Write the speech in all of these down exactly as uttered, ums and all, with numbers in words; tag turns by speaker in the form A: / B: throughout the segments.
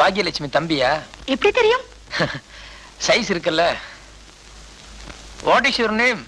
A: பாக்யலட்சுமி தம்பியா?
B: எப்படி தெரியும்?
A: சைஸ் இருக்குல்ல. What is your name?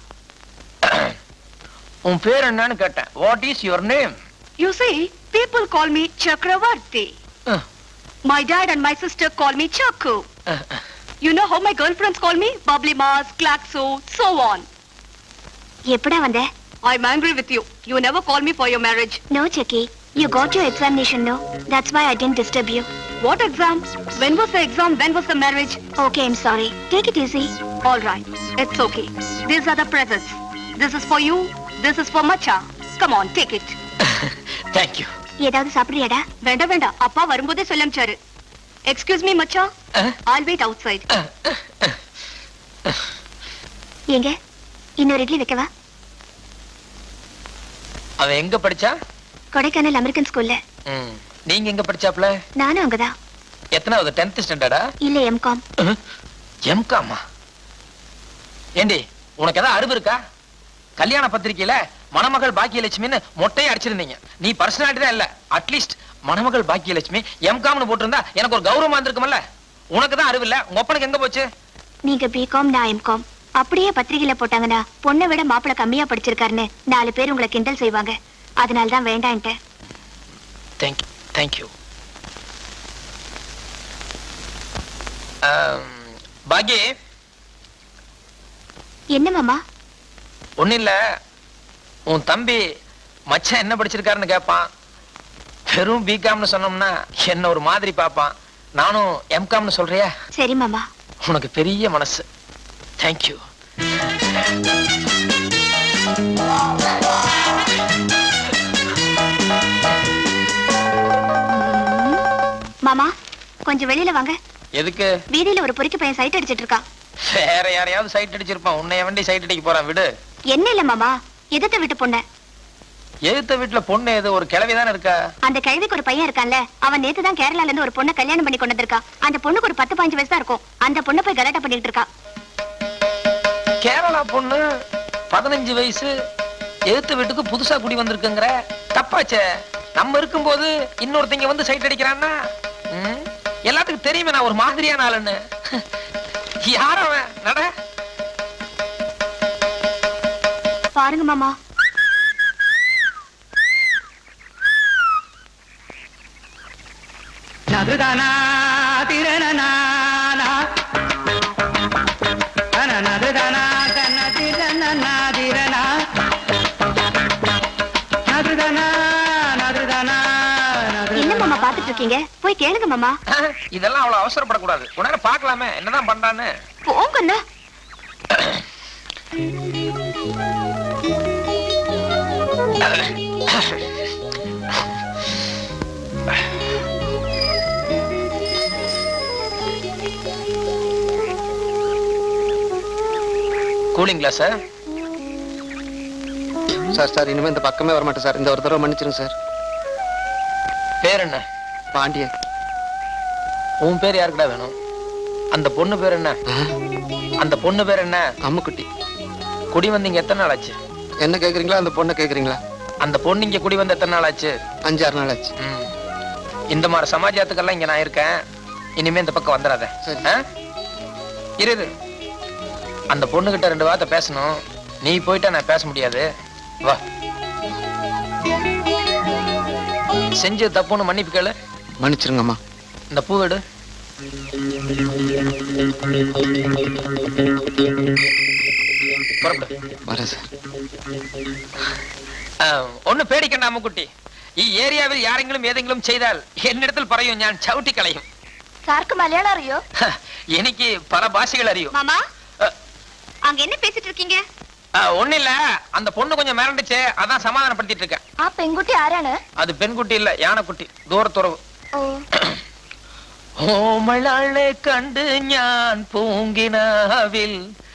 A: உன் பேர் என்னன்னு கேட்டேன். What is your name?
B: You see, people call me Chakravarti. Uh. My dad and my sister call me Chaku. Uh, uh. You know how my girlfriends call me? Bubbly Mars, Klaxo, so on. எப்படா வந்த? I'm angry with you. You never call me for your marriage.
C: No, Chucky. You got your examination, no? That's why I didn't disturb you.
B: What exam? When was the exam? When was the marriage?
C: Okay, I'm sorry. Take it easy.
B: All right. It's okay. These are the presents. This is for you. This is for Macha. Come on, take it.
A: Thank you.
C: ஏதாவது சாப்பிடுறியாடா?
B: வேண்டாம் வேண்டாம். அப்பா வரும்போதே சொல்லம்ச்சாரு. Excuse me, Macha. Uh? I'll wait outside. Uh, uh,
C: uh. எங்க? இன்னொரு இட்லி வைக்கவா?
A: அவ எங்க படிச்சா?
C: கொடைக்கானல் அமெரிக்கன் ஸ்கூல்ல.
A: ம். நீங்க எங்க படிச்சாப்ல?
C: நானும் அங்கதான்.
A: எத்தனாவது? tenth ஸ்டாண்டர்டா?
C: இல்ல எம்காம்.
A: எம்காமா? ஏண்டி உனக்கு ஏதாவது அறிவு இருக்கா? கல்யாண பத்திரிக்கையில மணமகள் பாக்கியலட்சுமின்னு மொட்டையை அடிச்சிருந்தீங்க. நீ பர்சனாலிட்டி தான் இல்ல. அட்லீஸ்ட் மணமகள் பாக்கியலட்சுமி எம்காம்னு போட்டிருந்தா எனக்கு ஒரு கௌரவமா இருந்திருக்கும்ல. உனக்கு தான் அறிவு இல்ல. உங்க அப்பனுக்கு எங்க போச்சு?
C: நீங்க பிகாம், நான் எம்காம். அப்படியே பத்திரிகையில போட்டாங்கன்னா பொண்ணை விட மாப்பிள கம்மியா படிச்சிருக்காருன்னு நாலு பேர் உங்களை கிண்டல் செய்வாங்க. அதனால தான் வேண்டான்ட்டேன்.
A: Thank you. Thank you. Baaghi.
C: என்ன மாமா?
A: ஒன்னும் இல்ல. உன் தம்பி மச்சான் என்ன படிச்சிருக்காருன்னு கேட்பான். வெறும் பிகாம்னு சொன்னோம்னா என்ன ஒரு மாதிரி பாப்பான். நானும் எம்காம்னு சொல்றியா?
C: சரி மாமா.
A: உனக்கு பெரிய மனசு. Thank you.
C: மாமா கொஞ்சம் வெளியில வாங்க.
A: எதுக்கு?
C: வீதியில ஒரு பொறுக்கி பையன் சைட் அடிச்சிட்டு இருக்கான்.
A: வேற யாரையாவது சைட் அடிச்சிருப்பான். உன்னைய வண்டி சைட் அடிக்க போறான். விடு.
C: என்ன இல்ல மாமா, எதிர்த்த வீட்டு பொண்ணு.
A: எதிர்த்த வீட்டுல பொண்ணு எது? ஒரு கிழவிதானே இருக்கா?
C: அந்த கிழவிக்கு ஒரு பையன் இருக்கான்ல, அவன் நேத்து தான் கேரளால இருந்து ஒரு பொண்ணை கல்யாணம் பண்ணி கொண்டு வந்திருக்கான். அந்த பொண்ணுக்கு ஒரு பத்து பதினஞ்சு வயசு தான் இருக்கும். அந்த பொண்ணை போய் கலாட்டா பண்ணிட்டு இருக்கா.
A: கேரளா பொண்ணு பதினஞ்சு வயசு எதிர்த்த வீட்டுக்கு புதுசா குடி வந்திருக்குங்கிற? தப்பாச்சே. நம்ம இருக்கும்போது இன்னொருத்தங்க வந்து சைட் அடிக்கிறான்னா எல்லாத்துக்கும் தெரியுமே நான் ஒரு மாதிரியான ஆளுன்னு. யார் அவன்? நட.
C: பாருங்க மாமா.
D: நதுதானா திரணனா நதுதானா தன்னதிரணனா திரணா நதுதானா நதுதானா.
C: என்ன மாமா பாத்துட்டு இருக்கீங்க? போய் கேளுங்க மாமா.
A: இதெல்லாம் அவ்வளவு அவசரப்படக்கூடாது. உடனே பாக்கலாமே என்னதான் பண்றான்னு.
C: போங்கண்ணா.
A: கூலிங்களா சார்?
E: சார் சார் இனிமே இந்த பக்கமே வர மாட்டேன் சார். இந்த ஒரு தடவை மன்னிச்சிருங்க சார்.
A: பேர் என்ன?
E: பாண்டியன்.
A: உன் பேர் யாருக்குடா வேணும்? அந்த பொண்ணு பேர் என்ன? அந்த பொண்ணு பேர் என்ன?
E: அம்முக்குட்டி.
A: குடி வந்தீங்க எத்தனை நாள் ஆச்சு?
E: என்ன கேக்குறீங்களா அந்த பொண்ணை கேக்குறீங்களா?
A: அந்த பொண்ணு இங்க குடி வந்து எத்தனை நாள் ஆச்சு?
E: அஞ்சாறு நாள் ஆச்சு.
A: இந்த மாதிரி சமாஜத்துக்கெல்லாம் இங்க நான் இருக்கேன். இனிமே இந்த பக்கம் வந்துடாத. இரு. அந்த பொண்ணு கிட்ட ரெண்டு வார்த்தை பேசணும். நீ போயிட்டா நான் பேச முடியாது. வா. செஞ்சு தப்புன்னு மன்னிப்பு கேளு.
E: மன்னிச்சிருங்கம்மா.
A: இந்த பூ எடு.
E: வரேன் சார்.
A: ஒண்ணு பேடிக்கண்டா அம்முக்குட்டி. ஏரியாவில் யாரெങ്കിലും ஏதெങ്കിലും செய்தால் என்னிடத்தில் പറയും ഞാൻ ചവിട്ടി കളയും.
C: சாருக்கு மலையாளம் அறியோ?
A: எனக்கு பல பாஷைகள் அறியும்.
C: மாமா அங்க என்ன பேசிட்டு இருக்கீங்க?
A: ஒண்ணு இல்ல. அந்த பொண்ணு கொஞ்சம் மிரண்டுச்சு. அதான் சமாதானப்படுத்திட்டு இருக்கேன்.
C: ஆ பெண்குட்டி ஆரானு?
A: அது பெண்குட்டி இல்ல, யானைக்குட்டி. தூரத்துறவு. ഓമളെ കണ്ട് ഞാൻ പൂങ്കിനാവിൽ